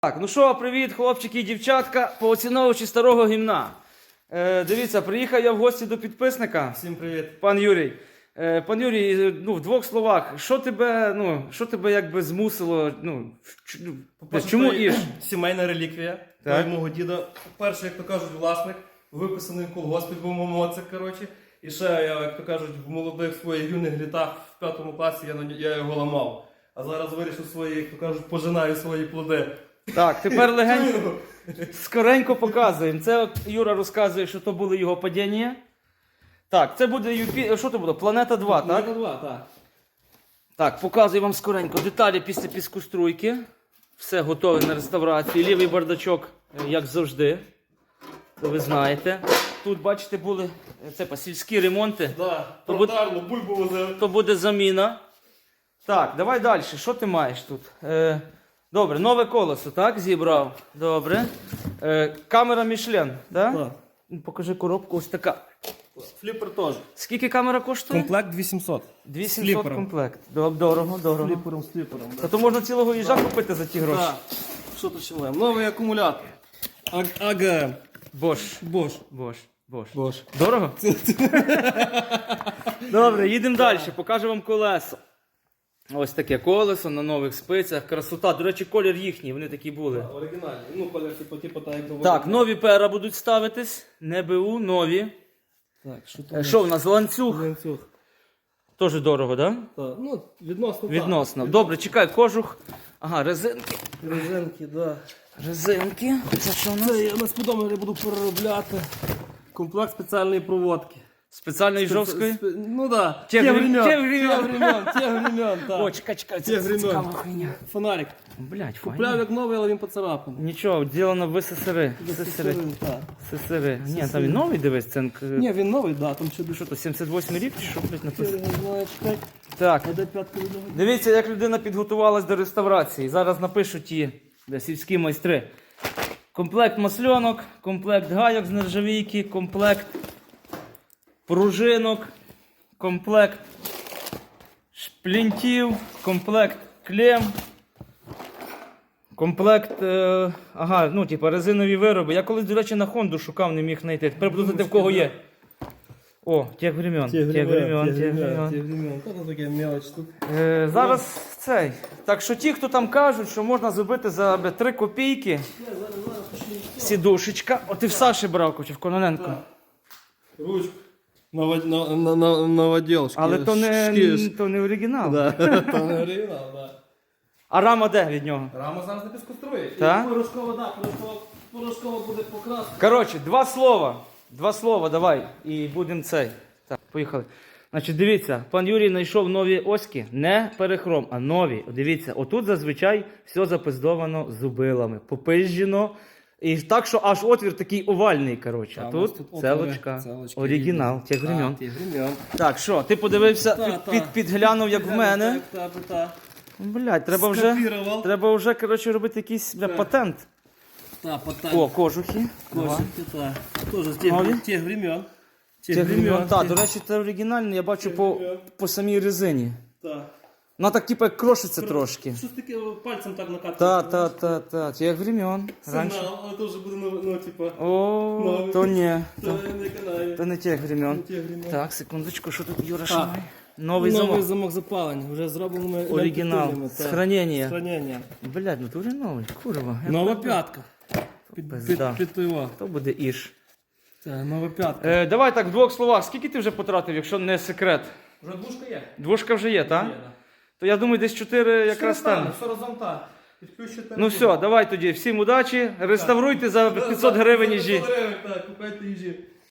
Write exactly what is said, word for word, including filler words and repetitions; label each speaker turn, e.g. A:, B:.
A: Так, ну що, привіт, хлопчики і дівчатка, поціновувачі старого гімна. Е, дивіться, приїхав я в гості до підписника.
B: Всім привіт.
A: Пан Юрій. Е, пан Юрій, ну, в двох словах, що тебе, ну, що тебе якби змусило, ну,
B: По-перше,
A: чому
B: це
A: Іж?
B: Сімейна реліквія.
A: Так.
B: Той мого діда. Перший, як то кажуть, власник, виписаний в колгоспі, був моцик, коротше. І ще, я, як то кажуть, в молодих своїх юних літах в п'ятому класі я, на- я його ламав. А зараз вирішив свої, як то кажуть, пожинаю свої плоди.
A: Так, тепер легенько, скоренько показуємо. Це от Юра розказує, що то були його падіння. Так, це буде Юпі... Що це буде? Планета два, так?
B: Планета два, так.
A: Так, показую вам скоренько. Деталі після піскоструйки. Все готове на реставрацію. Лівий бардачок, як завжди. То ви знаєте. Тут, бачите, були це, па, сільські ремонти.
B: Да,
A: То буде-
B: продарло, бульбу возив.
A: То буде заміна. Так, давай далі. Що ти маєш тут? Е, добре, нове колесо, так? Зібрав. Добре. Е, камера Мішлен, так?
B: Так.
A: Покажи коробку, ось така.
B: Фліпер теж.
A: Скільки камера коштує?
B: Комплект вісімсот.
A: дві
B: з
A: сімсот
B: фліпером.
A: комплект. Доб- Дорого, дорого.
B: Фліпером, з фліпером.
A: Та то можна цілого їжа купити за ті гроші.
B: Так. Що починаємо? Новий акумулятор. АГМ.
A: Бош.
B: Бош.
A: Бош. Бош.
B: Бош.
A: Дорого? Добре, їдемо далі. Покажу вам колесо. Ось таке колесо на нових спицях. Красота. До речі, колір їхній, вони такі були.
B: Оригінальний. Ну, колір, типу, типу, так, як доводить.
A: Так, нові пера будуть ставитись. Не БУ, нові.
B: Так, що
A: Е,
B: тут?
A: Що в нас? Ланцюг.
B: Ланцюг.
A: Теж дорого, так?
B: Так, ну, відносно. так.
A: Відносно. Добре, чекай, кожух. Ага, резинки.
B: Резинки, да.
A: Резинки. Це що в нас?
B: Це я на спідометрі буду переробляти. Комплект спеціальної проводки.
A: Спеціальної жовської?
B: Спе- Ну да.
A: Тех
B: Тех
A: времен.
B: времен.
A: Тех времен.
B: Тех времен. Тех времен, так.
A: О, чекай, чекай, це,
B: Тех
A: це
B: времен.
A: цікава хуйня.
B: Фонарик.
A: Блять,
B: Купляв
A: файно.
B: як новий, але він поцарапаний.
A: Нічого, ділено в СССР. СССР.
B: Так.
A: СССР. Ні, там він новий, дивись, це е,
B: Ні, він новий, да, там ще
A: що то, сімдесят восьмий рік чи що, блядь, написано?
B: не знаю, чекай.
A: Так,
B: А де п'ятка від нього?
A: дивіться, як людина підготувалась до реставрації. Зараз напишу ті де, сільські майстри. Комплект масльонок, комплект гайок з нержавійки, комплект пружинок, комплект шплінтів, комплект клем, комплект, е, ага, ну, типу, резинові вироби. Я колись, до речі, на Хонду шукав, не міг знайти. Тепер буду знати, в кого є. О, тех времен, тех времен, тех времен.
B: Тех времен. Та таке мелоч тут.
A: Е, зараз цей. Так що ті, хто там кажуть, що можна зробити за бля, три копійки, сідушечка. От ти в Саші брав, чи в Кононенко.
B: Ручку. Новод- на- на- на- Новоділшки.
A: Але то не,
B: Шкіш.
A: то не оригінал.
B: Да, то не оригінал, да.
A: А рама де від нього?
B: Рама зараз не піскострує.
A: Так?
B: Порошкова, да, порошкова, порошкова буде покраска.
A: Коротше, два слова. Два слова давай. І будемо цей. Так, поїхали. Значить, дивіться, пан Юрій знайшов нові оськи, не перехром, а нові. Дивіться, отут зазвичай все запиздовано зубилами, попизжено. І так, що аж отвір такий овальний, коротше. А
B: у нас
A: тут,
B: тут отвори,
A: целочка,
B: целочки
A: оригінал,
B: рідні.
A: тих времен.
B: А, тих времен.
A: Так, що, ти подивився,
B: Та,
A: під,
B: та.
A: під, підглянув, як в мене.
B: Так, так, так.
A: Блядь, треба вже,
B: Скопірував.
A: треба вже, коротше, робити якийсь бля,
B: Так.
A: патент.
B: Так, потім.
A: О, кожухи.
B: Кошики, так. Тоже з тих,
A: Нові?
B: тих времен.
A: Тих времен. Так,
B: тих-
A: до речі, це оригінальне, я бачу
B: Тих
A: по,
B: времен.
A: по самій резині.
B: Так.
A: Вона так, типу, як крошиться трошки.
B: Щось таке пальцем так накатує.
A: Та, та, та, та. Тих времен. Раніше.
B: Сигнал, але то вже буде, ну, ну типа,
A: О,
B: Нові.
A: то ні.
B: то
A: То,
B: не канає.
A: то не тих времен.
B: Тих времен.
A: Так, секундочку, що тут Юра
B: Так.
A: шамає? Новий
B: Новий
A: замок.
B: замок запалення, вже зроблений
A: Оригінал. З хранення.
B: Хранення.
A: Блядь, ну дуже новий, курва. Я
B: Нова
A: так-
B: п'ятка. Під,
A: Пизда.
B: під, під пиво.
A: То буде іш.
B: Це нова п'ятка.
A: Е, давай так, в двох словах, скільки ти вже потратив, якщо не секрет?
B: Вже двушка є?
A: Двушка вже є, так?
B: Є, да.
A: То я думаю, десь чотири якраз там.
B: Все разом так. Підключити.
A: Ну все, давай тоді, всім удачі, реставруйте за п'ятсот гривень їжі.
B: п'ятсот гривень, так, купайте їжі.